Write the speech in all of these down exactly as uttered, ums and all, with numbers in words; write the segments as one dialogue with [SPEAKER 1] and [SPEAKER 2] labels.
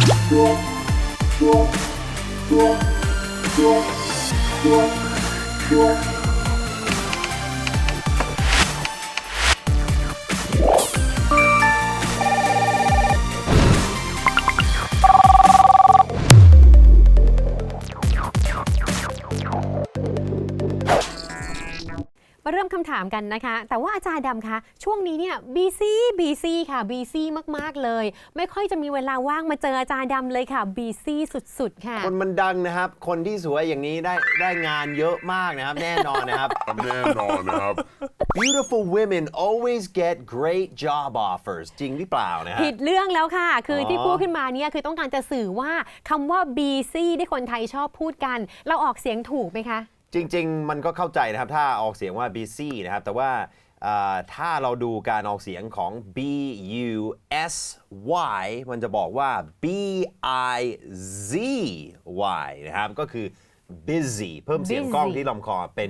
[SPEAKER 1] มาเริ่มคำถามกันนะคะแต่ว่าอาจารย์ดำคะช่วงนี้เนี่ยบีซี่บีซี่ค่ะบีซี่มากๆเลยไม่ค่อยจะมีเวลาว่างมาเจออาจารย์ดำเลยค่ะบีซี่สุดๆค่ะ
[SPEAKER 2] คนมันดังนะครับคนที่สวยอย่างนี้ได้ได้งานเยอะมากนะครับแน่นอนนะครับแน่นอนนะครับ Beautiful women always get great job offers จริงหรือเปล่านะฮะ
[SPEAKER 1] ผิดเรื่องแล้วค่ะคือที่พูดขึ้นมาเนี่ยคือต้องการจะสื่อว่าคำว่าบีซี่ที่คนไทยชอบพูดกันเราออกเสียงถูกไหมคะ
[SPEAKER 2] จริงๆมันก็เข้าใจนะครับถ้าออกเสียงว่า busy นะครับแต่ว่าถ้าเราดูการออกเสียงของ b u s y มันจะบอกว่า b i z y นะครับก็คือ busy เพิ่มเสียงกล้องที่ลำคอเป็น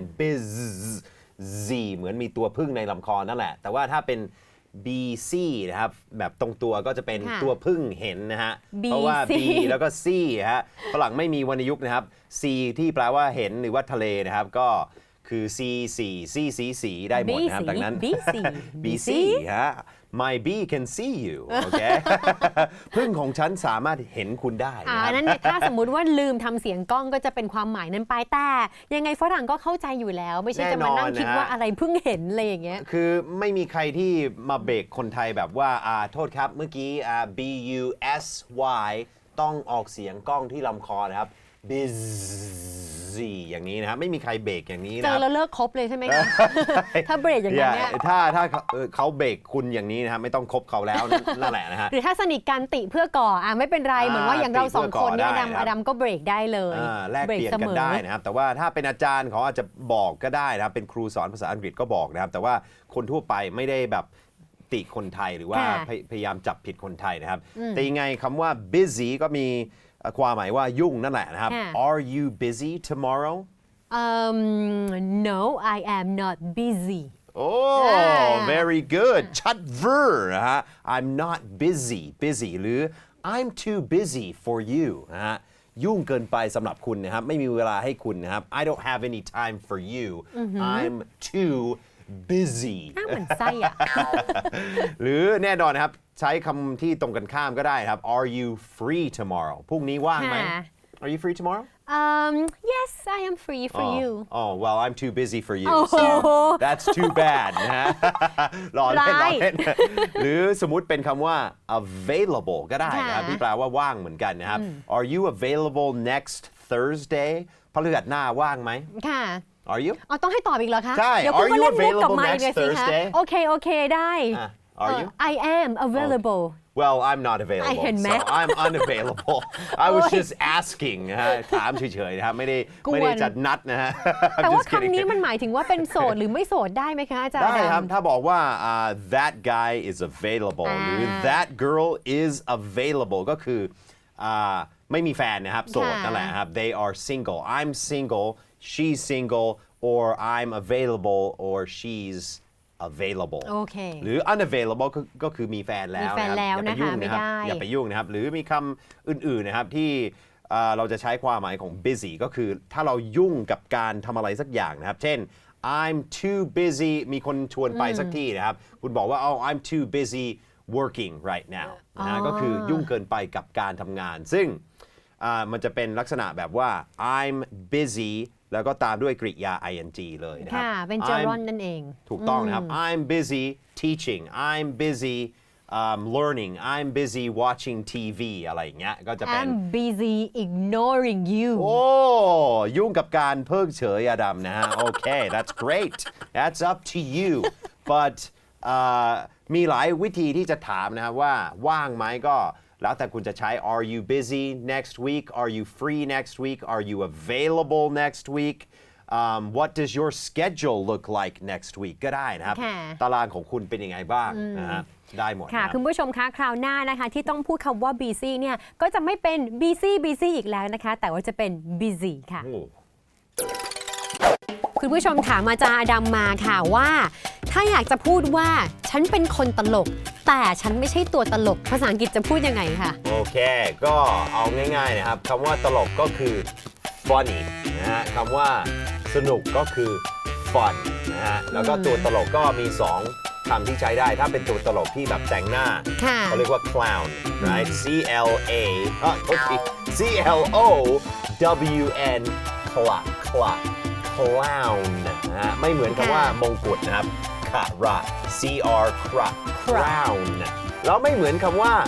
[SPEAKER 2] busy เหมือนมีตัวพึ่งในลำคอนั่นแหละแต่ว่าถ้าเป็น bc นะครับแบบตรงตัวก็จะเป็นตัวพึ่งเห็นนะฮะเพราะว่า b แล้วก็ c ฮะฝรั่งไม่มีวรรณยุกต์นะครับ c ที่แปลว่าเห็นหรือว่าทะเลนะครับก็คือ c สี่ c c สีได้หมดนะครับดังนั้น
[SPEAKER 1] bc
[SPEAKER 2] bc ฮะ my bee can see you โอเค พึ่งของฉันสามารถเห็นคุณได้
[SPEAKER 1] อ่านั้นเนี่ยถ้าสมมุติว่าลืมทำเสียงกล้องก็จะเป็นความหมายนั้นไปแต่ยังไงฝรั่งก็เข้าใจอยู่แล้วไม่ใช่จะมานั่งคิดว่าอะไรเพิ่งเห็นอะไรอย่างเงี้ย
[SPEAKER 2] คือไม่มีใครที่มาเบรกคนไทยแบบว่าอ่าโทษครับเมื่อกี้อ่า b u s y ต้องออกเสียงกล้องที่ลำคอนะครับ busy อย่างนี้นะครับไม่มีใครเบรกอย่างนี้นะ
[SPEAKER 1] เจอแล้วเลิกคบเลยใช่ไหมคะ ถ้าเบรกอย่างนี้เนี่ย
[SPEAKER 2] ถ้าถ้าเขาเบรกคุณอย่างนี้นะครับไม่ต้องคบเขาแล้วนั่นแหละนะฮะ
[SPEAKER 1] หรือถ้าสนิทกันติเพื่อก่ออ่ะไม่เป็นไรเหมือนว่าอย่างเราสองคนเนี่ยอดัมอดัมก็เบรกได้เลย
[SPEAKER 2] แลกเปลี่ยนกันได้นะครับแต่ว่าถ้าเป็นอาจารย์เขาอาจจะบอกก็ได้นะครับเป็นครูสอนภาษาอังกฤษก็บอกนะครับแต่ว่าคนทั่วไปไม่ได้แบบติคนไทยหรือว่าพยายามจับผิดคนไทยนะครับแต่ยังไงคำว่า busy ก็มีความหมายว่ายุ่งนั่นแหละนะครับ Are you busy tomorrow?
[SPEAKER 1] Um, no, I am not busy.
[SPEAKER 2] Oh, very good. ชัดเวอร์นะฮะ I'm not busy. busy หรือ I'm too busy for you นะฮะยุ่งเกินไปสำหรับคุณนะครับไม่มีเวลาให้คุณนะครับ I don't have any time for you. I'm too busy
[SPEAKER 1] น่าเหมือนไส้อะ
[SPEAKER 2] หรือแน่นอนนะครับใช้คำที่ตรงกันข้ามก็ได้ครับ Are you free tomorrow พรุ่งนี้ว่างไหม Are you free tomorrow?
[SPEAKER 1] Um, yes, I am free for
[SPEAKER 2] oh,
[SPEAKER 1] you.
[SPEAKER 2] Oh, well, I'm too busy for you. So that's too bad นะฮะรอเล่นรอเล่นหรือสมมุติเป็นคำว่า available ก็ได้นะครับที่แปลว่าว่างเหมือนกันนะครับ Are you available next Thursday พฤหัสหน้าว่างไหม
[SPEAKER 1] ค่ะ
[SPEAKER 2] Are you?
[SPEAKER 1] อ๋อต้องให้ตอบอีกเหรอคะ
[SPEAKER 2] ใช่ Are you available next Thursday?
[SPEAKER 1] โอเคโอเคได้
[SPEAKER 2] Are you?
[SPEAKER 1] I am available.
[SPEAKER 2] Well, I'm not available. So I'm unavailable. I was just asking นะฮะถามเฉยๆนะครับไม่ได้ไม่ได้จัดนัดนะฮะ
[SPEAKER 1] แต่ว่าคำนี้มันหมายถึงว่าเป็นโสดหรือไม่โสดได้ไหมคะอาจารย์
[SPEAKER 2] ได้ครับถ้าบอกว่า that guy is available หรือ that girl is available ก็คือไม่มีแฟนนะครับโสดนั่นแหละครับ they are single I'm single she's single or I'm available or she's available
[SPEAKER 1] โอเค
[SPEAKER 2] หรือ unavailable ก็คือมีแฟนแล้ว
[SPEAKER 1] มีแฟนแล้วนะคะไม่ได้
[SPEAKER 2] อย่าไปยุ่งนะครับหรือมีคำอื่นๆนะครับที่เราจะใช้ความหมายของ busy ก็คือถ้าเรายุ่งกับการทำอะไรสักอย่างนะครับเช่น I'm too busy มีคนชวนไปสักที่นะครับคุณบอกว่า oh I'm too busy working right now นะก็คือยุ่งเกินไปกับการทำงานซึ่งมันจะเป็นลักษณะแบบว่า I'm busy แล้วก็ตามด้วยกริยา ing เลยนะครับ
[SPEAKER 1] ค่ะเป็น gerund นั่นเอง
[SPEAKER 2] ถูกต้องนะครับ I'm busy teaching I'm busy um, learning I'm busy watching ที วี อะไรอย่างเงี้ยก็จะเป็น
[SPEAKER 1] I'm busy ignoring you
[SPEAKER 2] โอ้ยุ่งกับการเพิกเฉยอดัมนะฮะ Okay that's great that's up to you but uh, มีหลายวิธีที่จะถามนะครับว่าว่างไหมก็แล้วแต่คุณจะใช้ Are you busy next week? Are you free next week? Are you available next week? Um, what does your schedule look like next week? ก็ได้นะครับตารางของคุณเป็นยังไงบ้างนะฮะได้หมด
[SPEAKER 1] ค่ะคุณผู้ชมคะคราวหน้านะคะที่ต้องพูดคำว่า busy เนี่ยก็จะไม่เป็น busy busy อีกแล้วนะคะแต่ว่าจะเป็น busy ค่ะคุณผู้ชมถามอาจารย์อดัมมาค่ะว่าถ้าอยากจะพูดว่าฉันเป็นคนตลก แต่ฉันไม่ใช่ตัวตลก ภาษาอังกฤษจะพูดยังไงคะ
[SPEAKER 2] โอเค ก็เอาง่ายๆนะครับคำว่าตลกก็คือ funny นะฮะคำว่าสนุกก็คือ fun นะฮะแล้วก็ตัวตลกก็มีสองคำที่ใช้ได้ ถ้าเป็นตัวตลกที่แบบแต่งหน้า
[SPEAKER 1] ค่ะ
[SPEAKER 2] เขาเรียกว่า clown right C L A อ่ะโทษที C L O W N clown clown clown นะฮะไม่เหมือนคำว่ามงกุฎนะครับ คาระ C R crown แล้วไม่เหมือนคำว่า